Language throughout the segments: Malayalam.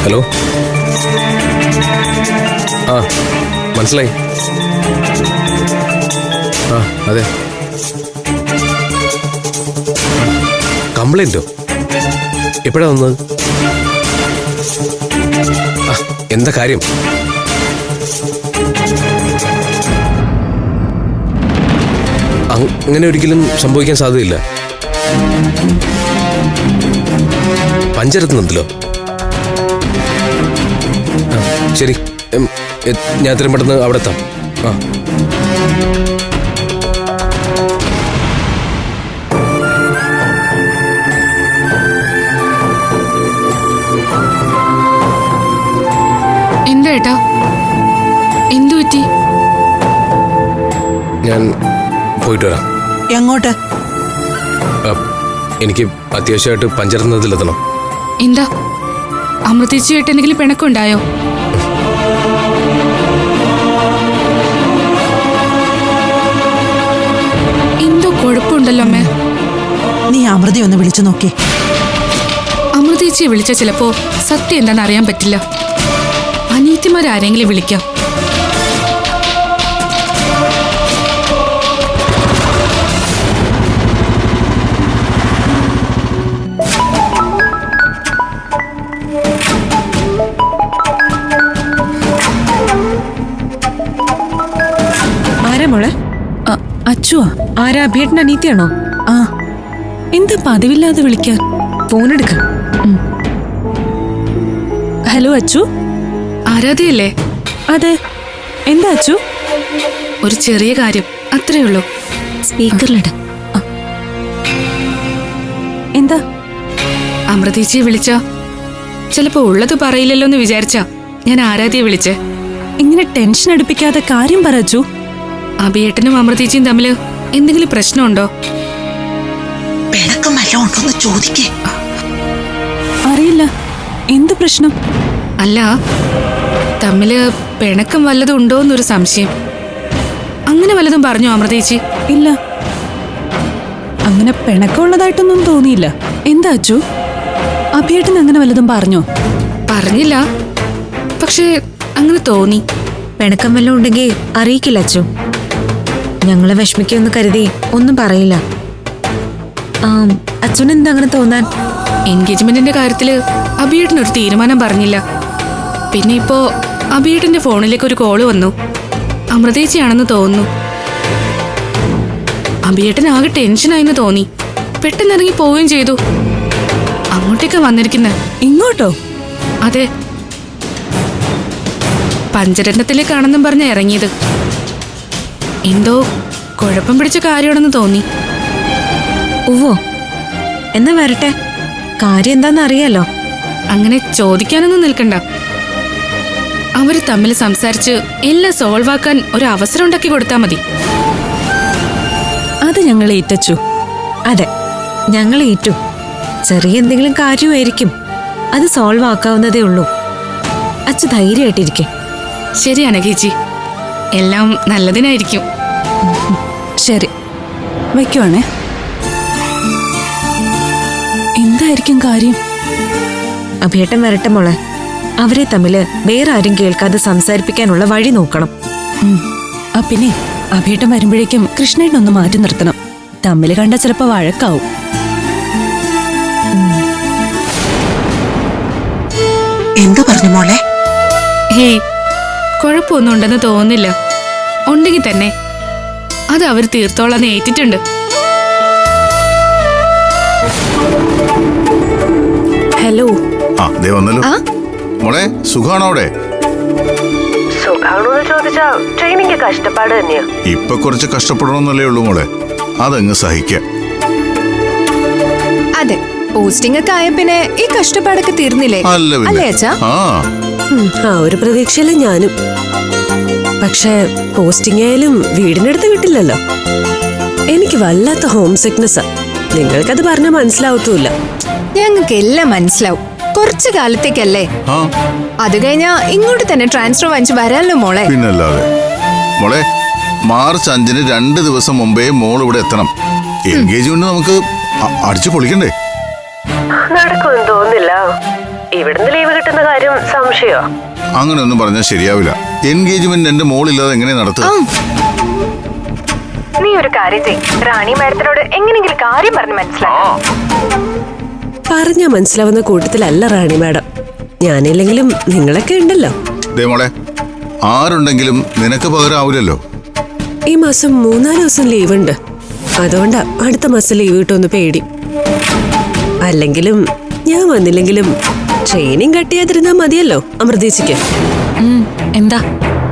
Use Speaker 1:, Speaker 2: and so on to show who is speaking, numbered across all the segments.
Speaker 1: ഹലോ. ആ മനസ്സിലായി. ആ അതെ. കംപ്ലൈന്റോ? എപ്പോഴാ വന്നത്? ആ എന്താ കാര്യം? അങ്ങനെ ഒരിക്കലും സംഭവിക്കാൻ സാധ്യതയില്ല. പഞ്ചരത്നത്തിലോ? ശരി, ഞാൻ എത്രയും പെട്ടെന്ന് അവിടെ എത്താം. ആ
Speaker 2: എന്താ ഏട്ടാ, എന്തു പറ്റി?
Speaker 1: ഞാൻ പോയിട്ട് വരാം.
Speaker 3: എങ്ങോട്ട്?
Speaker 1: എനിക്ക് അത്യാവശ്യമായിട്ട് പഞ്ചരത്നത്തിലെത്തണം.
Speaker 2: എന്താ അമൃതേച്ചിയായിട്ട് എന്തെങ്കിലും പിണക്കുണ്ടായോ? എന്തോ കുഴപ്പമുണ്ടല്ലോ അമ്മേ.
Speaker 3: നീ അമൃതയെ ഒന്ന് വിളിച്ചു നോക്കി.
Speaker 2: അമൃതേച്ചിയെ വിളിച്ച ചിലപ്പോ സത്യം എന്താണെന്ന് അറിയാൻ പറ്റില്ല. അനിയത്തിമാരാരെങ്കിലും വിളിക്കാം.
Speaker 4: മോളെ അച്ചുവാ? ആരാ? അഭിയേട്ടൻ അനീത്തിയാണോ? ആ എന്താ പതിവില്ലാതെ വിളിക്കാൻ? ഫോണെടുക്ക. ഹലോ അച്ചു.
Speaker 2: ആരാധയല്ലേ?
Speaker 4: അതെ. എന്താ അച്ചു?
Speaker 2: ഒരു ചെറിയ കാര്യം, അത്രേ ഉള്ളൂ.
Speaker 4: സ്പീക്കറിലിട. എന്താ?
Speaker 2: അമൃതേച്ചിയെ വിളിച്ച ചിലപ്പോ ഉള്ളത് പറയില്ലല്ലോ എന്ന് വിചാരിച്ചാ ഞാൻ ആരാധ്യയെ വിളിച്ചേ.
Speaker 4: ഇങ്ങനെ ടെൻഷൻ അടുപ്പിക്കാതെ കാര്യം പറ അച്ചു.
Speaker 2: അഭിയേട്ടനും അമൃതേച്ചിയും തമ്മില് എന്തെങ്കിലും പ്രശ്നമുണ്ടോ?
Speaker 3: പിണക്കം വല്ലതും ഉണ്ടോന്ന് ചോദിക്കേ.
Speaker 4: അറിയില്ല, എന്ത് പ്രശ്നം?
Speaker 2: അല്ല, തമ്മില് പിണക്കം വല്ലതും ഉണ്ടോന്നൊരു സംശയം. അങ്ങനെ വല്ലതും പറഞ്ഞോ അമൃതേച്ചി?
Speaker 4: ഇല്ല, അങ്ങനെ പിണക്കമുള്ളതായിട്ടൊന്നും തോന്നിയില്ല. എന്താ അച്ചു? അഭിയേട്ടൻ അങ്ങനെ വല്ലതും പറഞ്ഞോ?
Speaker 2: പറഞ്ഞില്ല, പക്ഷേ അങ്ങനെ തോന്നി.
Speaker 5: പിണക്കം വല്ലതും ഉണ്ടെങ്കിൽ അറിയിക്കില്ല അച്ചു. ഞങ്ങളെ വിഷമിക്കുമെന്ന് കരുതി ഒന്നും പറയില്ല. അച്ഛന് എന്താ അങ്ങനെ തോന്നാൻ?
Speaker 2: എൻഗേജ്മെന്റിന്റെ കാര്യത്തില് അഭിയേട്ടനൊരു തീരുമാനം പറഞ്ഞില്ല. പിന്നെ ഇപ്പോ അഭിയേട്ടന്റെ ഫോണിലേക്ക് ഒരു കോള് വന്നു. അമൃതേച്ചിയാണെന്ന് തോന്നുന്നു. അഭിയേട്ടൻ ആകെ ടെൻഷനായിന്ന് തോന്നി. പെട്ടെന്ന് ഇറങ്ങി പോവുകയും ചെയ്തു. അങ്ങോട്ടേക്കാ വന്നിരിക്കുന്നെ.
Speaker 4: ഇങ്ങോട്ടോ?
Speaker 2: അതെ, പഞ്ചരത്നത്തിലേക്കാണെന്നും പറഞ്ഞ ഇറങ്ങിയത്. എന്തോ കുഴപ്പം പിടിച്ച കാര്യമാണെന്ന് തോന്നി.
Speaker 5: ഓവോ, എന്നാ വരട്ടെ. കാര്യം എന്താന്ന് അറിയാലോ.
Speaker 2: അങ്ങനെ ചോദിക്കാനൊന്നും നിൽക്കണ്ട. അവര് തമ്മിൽ സംസാരിച്ച് എല്ലാം സോൾവ് ആക്കാൻ ഒരു അവസരം ഉണ്ടാക്കി കൊടുത്താൽ മതി.
Speaker 4: അത് ഞങ്ങൾ ഏറ്റച്ചു.
Speaker 5: അതെ, ഞങ്ങൾ ഏറ്റു. ചെറിയ എന്തെങ്കിലും കാര്യമായിരിക്കും, അത് സോൾവ് ആക്കാവുന്നതേ ഉള്ളൂ. അച്ഛ ധൈര്യമായിട്ടിരിക്കെ.
Speaker 2: ശരിയാണ് ചേച്ചി, എല്ലാം നല്ലതിനായിരിക്കും.
Speaker 4: ശരി, വയ്ക്കുവാണേ. എന്തായിരിക്കും കാര്യം?
Speaker 5: അഭിയേട്ടൻ വരട്ടെ മോളെ. അവരെ തമ്മില് വേറെ ആരും കേൾക്കാതെ സംസാരിപ്പിക്കാനുള്ള വഴി നോക്കണം.
Speaker 4: പിന്നെ അഭിയേട്ടൻ വരുമ്പോഴേക്കും കൃഷ്ണേട്ടനൊന്ന് മാറ്റി നിർത്തണം. തമ്മില് കണ്ട ചിലപ്പോ വഴക്കാവും.
Speaker 3: എന്തു പറഞ്ഞു മോളെ?
Speaker 2: ഹേയ്, കുഴപ്പമൊന്നും ഉണ്ടെന്ന് തോന്നുന്നില്ല. ഉണ്ടെങ്കിൽ തന്നെ അത് അവർ തീർത്തോളാന്ന് ഏറ്റിട്ടുണ്ട്.
Speaker 4: ഹലോ.
Speaker 6: മോളെ സുഖാണോ അവിടെ?
Speaker 7: സുഖാണോന്ന് ചോദിച്ചാ ട്രെയിനിങ് കഷ്ടപ്പാട് തന്നെയാ.
Speaker 6: ഇപ്പൊ കുറച്ച് കഷ്ടപ്പെടണമെന്നല്ലേ ഉള്ളൂ മോളെ, അതങ്ങ് സഹിക്കാം.
Speaker 8: അതെ, പോസ്റ്റിംഗ് ഒക്കെ ആയ പിന്നെ ഈ കഷ്ടപ്പാടൊക്കെ തീർന്നില്ലേ? അല്ലേ അച്ഛാ?
Speaker 7: ആ ഒരു പ്രതീക്ഷയില്ല ഞാനും. പക്ഷെ പോസ്റ്റിംഗ് ആയാലും വീടിനടുത്ത് കിട്ടില്ലല്ലോ. എനിക്ക് വല്ലാത്ത ഹോം സിക്നെസ്സാ. നിങ്ങൾക്കത് പറഞ്ഞാൽ മനസ്സിലാവത്തുമില്ല.
Speaker 8: ഞങ്ങൾക്ക് എല്ലാം മനസ്സിലാവും. കുറച്ചു കാലത്തേക്കല്ലേ, അത് കഴിഞ്ഞാ ഇങ്ങോട്ട് തന്നെ ട്രാൻസ്ഫർ വാങ്ങിച്ച് വരാനല്ലോ മോളെ.
Speaker 6: പിന്നല്ലാതെ. മോളെ, മാർച്ച് 5-ന് 2 ദിവസം മുമ്പേ മോൾ ഇവിടെ എത്തണം. എൻഗേജ്മെന്റ് നമുക്ക് അടിച്ചു പൊളിക്കണ്ടേ?
Speaker 7: നടക്കുമെന്ന് തോന്നുന്നില്ല. ഇവിടുന്ന് ലീവ് കിട്ടുന്ന കാര്യം സംശയോ?
Speaker 6: അങ്ങനെയൊന്നും പറഞ്ഞാൽ ശരിയാവില്ല. എൻഗേജ്മെന്റ് എന്റെ മോളില്ലാതെ എങ്ങനെ നടത്തുക?
Speaker 8: നീ ഒരു കാര്യം ചെയ്, റാണി മാഡത്തിനോട് എങ്ങനെയെങ്കിലും കാര്യം പറഞ്ഞ് മനസ്സിലാക്കാം.
Speaker 7: പറഞ്ഞ മനസ്സിലാവുന്ന കൂട്ടത്തിലല്ല റാണി മാഡം. ഞാനില്ലെങ്കിലും നിങ്ങളൊക്കെ ഉണ്ടല്ലോ.
Speaker 6: ദേ മോളെ, ആരുണ്ടെങ്കിലും നിനക്ക് പകരം ആവില്ലല്ലോ.
Speaker 7: ഈ മാസം 3-4 ദിവസം ലീവ് ഉണ്ട്. അതുകൊണ്ടാ അടുത്ത മാസം ലീവ് കിട്ടുമെന്ന് പേടി. അല്ലെങ്കിലും ഞാൻ വന്നില്ലെങ്കിലും ട്രെയിനിങ് കട്ട് ചെയ്യാതിരുന്നാ മതിയല്ലോ അമൃതേച്ചിക്ക്.
Speaker 4: എന്താ?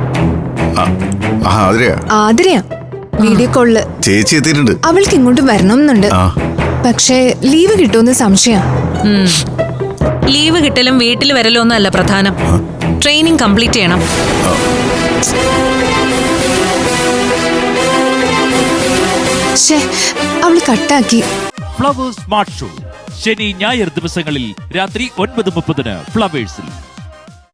Speaker 8: ആതിരയാ വീഡിയോ കോളില്
Speaker 6: ചേച്ചി എത്തിയിട്ടുണ്ട്.
Speaker 8: അവൾക്ക് ഇങ്ങോട്ട് വരണമെന്നുണ്ട്. പക്ഷേ ലീവ് കിട്ടുമെന്ന് സംശയം.
Speaker 4: ലീവ് കിട്ടലും വീട്ടിൽ വരലും ഒന്നല്ല പ്രധാനം. ട്രെയിനിങ് കംപ്ലീറ്റ് ചെയ്യണം.
Speaker 8: അവള് കട്ടാക്കി.
Speaker 9: ഫ്ലവേഴ്സ് സ്മാർട്ട് ഷോ ശനി ഞായർ ദിവസങ്ങളിൽ രാത്രി 9:30 ഫ്ലവേഴ്സിൽ.